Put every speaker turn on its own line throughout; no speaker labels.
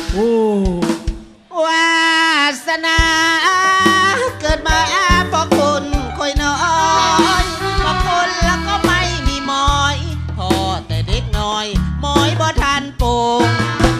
โอ้
วาสนาเกิดมาเพราะคุณคอยน้อยเพราะคนแล้วก็ไม่มีหมอยพอแต่เด็กน้อยหมอยบ่ทันปลูก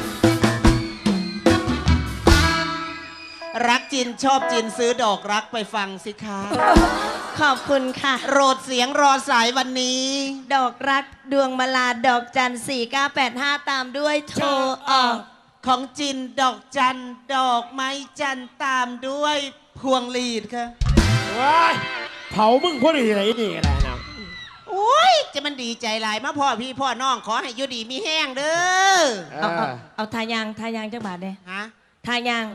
รักจินชอบจินซื้อดอกรักไปฟังสิคะ
ขอบคุณค่ะ
โรดเสียงรอสายวันนี้
ดอกรักดวงมาลาดอกจัน4985ตามด้วยโทรออก
ของจินดอกจันดอกไม้จันตามด้วยพวงลีดค่ะ
ว้ายเผามึงพอดีอะไรนี่อะไรนะ
โอ้ยจะมันดีใจหลายมาพ่อพี่พ่อน้องขอให้อยู่ดีมีแห้งเด้อ
เอาทายางจักบาทเด้
ฮะ
ทายาง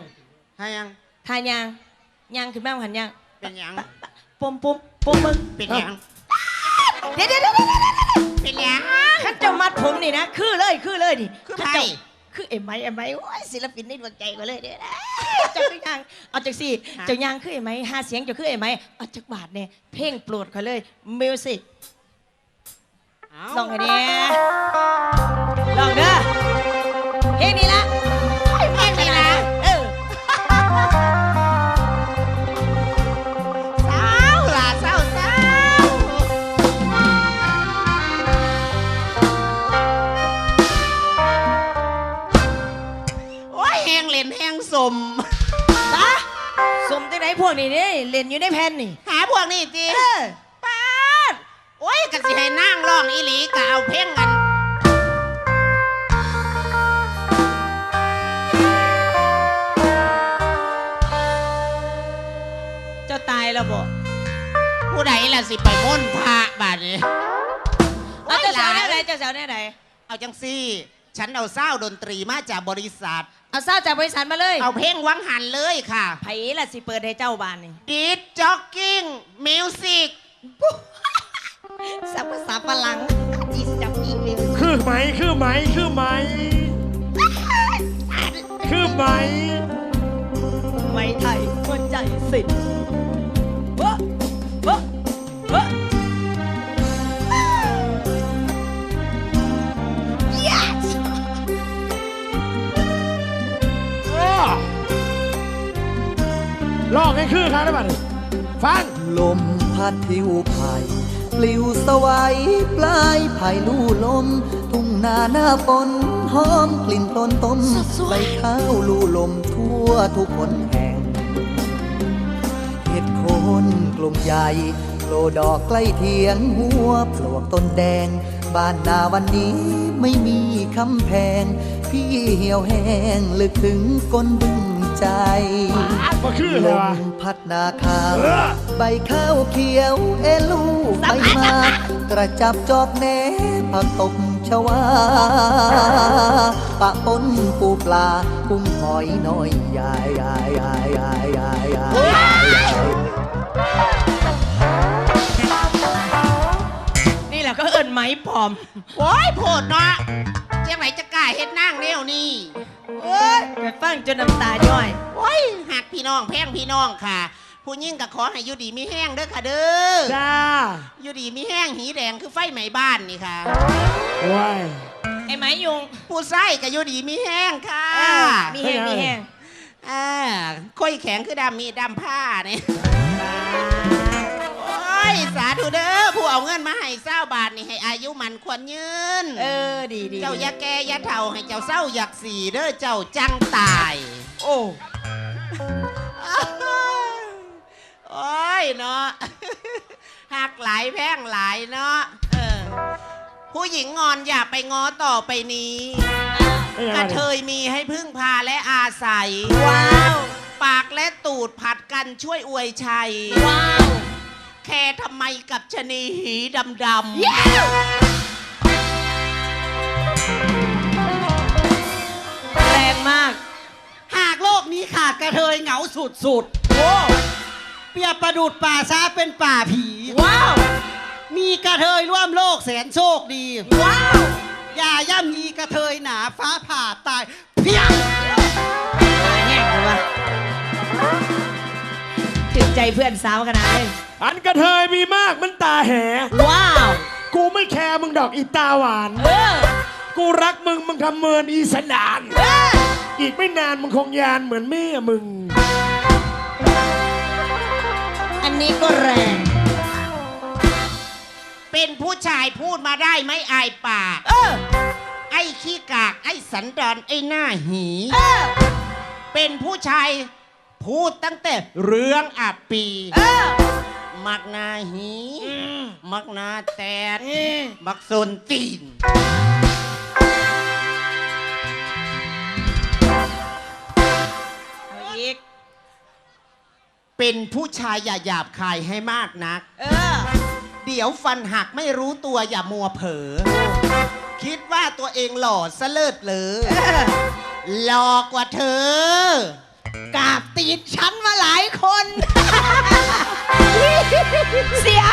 ยางขึ้นแม่หันยาง
เป็นยัง
ปุ่มมึง
เป็นยัง
เดี๋ยว
เป็นยัง
ขันเจ้ามัดผมนี่นะคือเลยดิ
คือใคร
คือเอ็มไอโอ้ยศิลปินในดวงใจก็เลยเด้อเจ้ายังเอาจากสี่เจ้ายางคือเอ็มไอหาเสียงเจ้าคือเอ็มไอเอาจากบาทเนี่ยเพลงโปรดเขาเลยมิวสิกลองไงเนี่ยลองเด้อเพลงนี้ละ
เพลงนี้นะแห้งสม
สมที่ไหนพวกนี้เนี่ยเล่นอยู่ในแผ่นนี่
หาพวกนี้จีป้าดโอ้ยกะสิให้นั่งร้องอีหลีกะเอาเพ่งกัน
เจ้าตายแล้วบ่
ผู้ใดล่ะสิไปม่นพระบาดนี้
เอาเจ้าสาวแน่ไหน
เอาจังซี่ฉันเอาเศร้าดนตรีมาจากบริษัท
เอาเศร้าจากบริษัทมาเลย
เอาเพลงวังหันเลยค่ะ
ไผ่ละสิเปิดให้เจ้าบ้านนี่
ดิสจ็อกกิ้งมิวสิก
สับภาษาฝรั่งดิสจ็อกกิ้งมิวสิก
คือไหม
ไม่ไทยหัวใจสิ
ลองให้คือครับได้ป่ะฟัง
ลมพัดทิวไผ่ปลิวสวัยปลายไผ่ลู่ลมทุ่งนาหน้าฝนหอมกลิ่นต้นต้มใบข้าวลู่ลมทั่วทุกคนแห่งเห็ดโคนกลุ่มใหญ่โผล่ดอกใกล้เทียงหัวปลวกต้นแดงบ้านนาวันนี้ไม่มีคำแพงพี่เหี่ยวแห้งลึกถึงก้นบึ้งใจลมพัดนาข้าวใบข้าวเขียวเอลูใบมากระจับจอกแหนผักตบชวาปะปนปูปลากุ้งหอยน้อยใหญ่
นี่แหละก็เอิ้นไหมปลอม
โอ้ยโผดเนาะเจ้าไหนจะกล้าเฮ็ดนั่งแนวนี่
โอ้ยไปฟังจนน้ำตาย่อย
โอ้ยหักพี่น้องแพงพี่น้องค่ะผู้ยิ่งก็ขอให้อยู่ดีมีแห้งเด้อค่ะเด้อ
จ้า
อยู่ดีมีแห้งหีแดงคือไฟไหม้บ้านนี่ค่ะ
ว้าย
ไอ้ไหมยุง
ผู้ไส้ก็อยู่ดีมีแห้งค่ะ
มีแห้ง
ค่อยแข็งคือดำมีดำผ้าเนี่ยโอ้ยสาธุเด้อผู้เอาเงินมาให้20 บาทนี่ให้อายุมันควรยืน
ดี
เจ้าอย่าแก่อย่าเฒ่าให้เจ้าเศร้าอยากสีเด้อเจ้าจังตายโอ้โอ้ยเนาะหักหลายแพงหลายเนาะผู้หญิงงอนอย่าไปง้อต่อไปนี้กระเทยมีให้พึ่งพาและอาศัย
ว้าว
ปากและตูดผัดกันช่วยอวยชัย
ว้าว
แค่ทำไมกับชนีหีดำ
แรงมาก
หากโลกนี้ขาดกระเทยเหงาสุดโอ้เปรียบประดุจป่าช้าเป็นป่าผี
ว้าว
มีกระเทยร่วมโลกแสนโชคดี
ว้าว
อย่าย่ำยีกระเทยหนาฟ้าผ่าตายเพียง
แห้งเลยวะถึงใจเพื่อนสาวขนาดนี้
อันกระเทยมีมากมันตาแห
ว้าว
กูไม่แคร์มึงดอกอีตาหวานกูรักมึงทำเมินอีสนานอีอีกไม่นานมึงคงยานเหมือนแม่มึง
อันนี้ก็แรง
เป็นผู้ชายพูดมาได้ไหมอายปาก ไอ้ขี้กาก ไอ้สันดอนไอ้หน้าหี เป็นผู้ชายพูดตั้งแต่เรื่องอับปี มักนาหี มักนาแตดมักโซนตีน
เอาอีก
เป็นผู้ชายอย่าหยาบคายให้มากนัก เดี๋ยวฟันหักไม่รู้ตัวอย่ามัวเผลอ คิดว่าตัวเองหล่อซะเลิศเลยหล่อกว่าเธอ
กราบตีนฉันมาหลายคน เสีย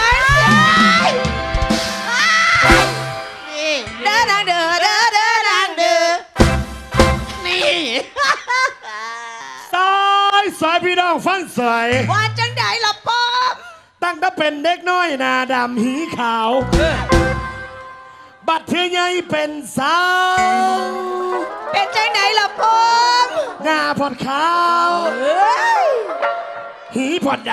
นี่
เด้อดังเด้อเด้อเด้อดังเด้อ
นี่
สายพี่น้องฟังสาย
ว่าจังไดล่ะป้อม
ตั้งแต่เป็นเด็กน้อยหน้าดำหีขาว บัดเทือใหญ่เป็นสาว
เป็นจังไดล่ะป้อม
หน้าพอดขาว หีพอดด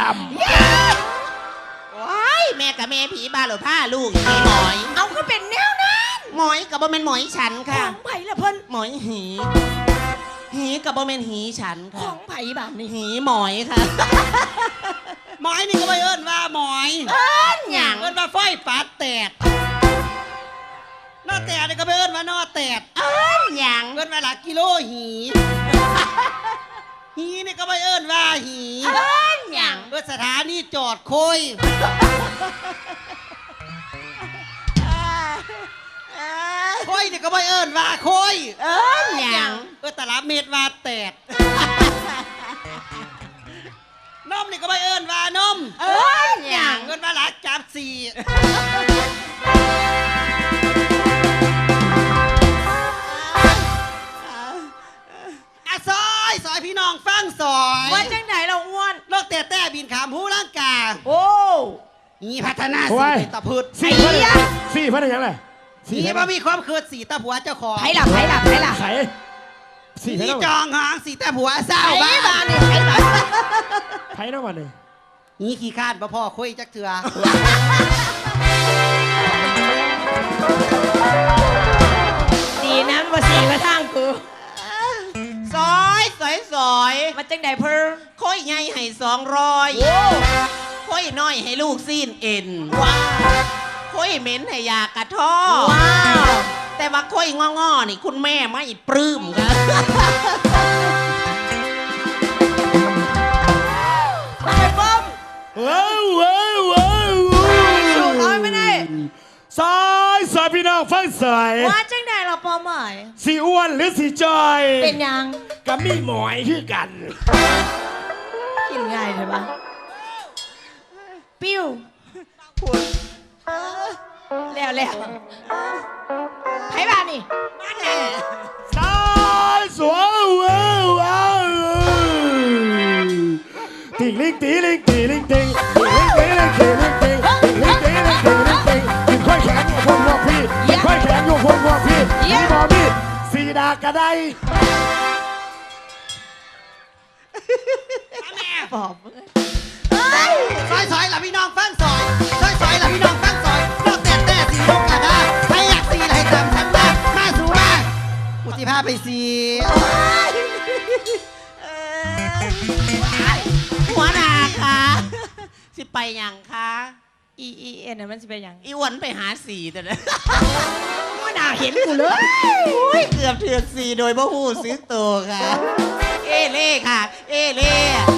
ว้ายแม่กับแม่ผีบาหรือผ้าลูกมีหมอย
เอาก็เป็นแนวนั้น
หมอยกับบ่แม่นหมอยฉัน
ข
ค่ะ
องไผ่ละเพิ่น
หมอยหี หีกับบ่แม่นหีฉัน
ข
ค่ะ
องไผ่แบบนี้
หีหมอยค่ะ
หมอยนี่ก็ไปเอิ้นว่าหมอย
หยัง
เอิ้นว่าไฟปาดแตกนอแตกนี่ก็ไปเอิ้นว่านอแตก
หยัง
เอิ้นว่าหลักกิโลหี หีนี่ก็ไปเอิ้นว่าหี
หยัง
เอิ้นสถานีจอดคุยคุยนี่ก็ไปเอิ้นว่าคุย
หยัง
เอิ้นตลับเม็ดว่าแตกนมนี่ก็ไปเอิ้นว่านม
หยัง
เอิ้นว่าหลักจับสี่อะซอยพี่น้องฟังซอย
ว่าจังไดเราอ้วน
โลกแต่บินขามผู้ร่างกา
โอ้
นี่พัฒนา
โอ้
สี
ย
เป็นตะพืช
ำสี่พันยังสี่พันยังไง
นี่ว่ามีความเคิดสีตะผัวเจ้าของ
ไผ่ละ
ไขสี่พัน
นี่
แล้ว
จองหางสีตะผัวเศร้า
ไผ่
บ้า
บ้าน นนี่ไผ่บ้าน
ไขแล้ววันนี้
นี่ขี้คาดบ่พ่อคุยจักเถื่อ
ดีนะมาสีมาทางกู
ซอยสอยสอย
มาจังไดเพิ่น
ค่อยใหญ่ให้200ค่อยน้อยให้ลูกซีนเอ็น
ว้าว
ค่อยเหม็นให้ยากระท่อ
ว้าว
แต่ว่าค่อยง้อๆนี่คุณแม่ไม่ปลื้มครับ
ทำไมป้อม
ว้าว
สูงน้อยไม่ได้
สายพี่น้องฟังสาย
ว่าจังไดเราป้อมหมาย
สีอ้วนหรือสีจอย
เป็นยัง
ก็มีหมอยคือกัน
กินง่ายใช่ปะปิ้วแล้วไผ่บ้านนี่
สายสวยติงลิงตีลิงตีลิงติงติงลิงตีลิงตีลิงติงติงลิงตีลิงตีลิงติงกินค่อยแข็งอยู่พวกพวกพี่กินค่อยแข็งอยู่พวกพวกพี่มีบอมีสีดากระได
แม่
ปอบ
ซอยหล่ะพี่น้องฟังซอยหล่ะพี่น้องฟังซอยโลกแต่สีลูกกระดาใครอยากสีอะไรตามฉันมาสู่มาอุทิพาไปสี
หัวหน้าค่ะสิไปยังคะ
เอ็นน่ะมันสิเป็นยัง
อีอ้วนไปหาสีแต่นะ
ว่าน่าเห็นกูเลย
อุ้ยเกือบเถือกสีโดยบ่หูซื้อตัวค่ะ เอเล่ค่ะ เอเล่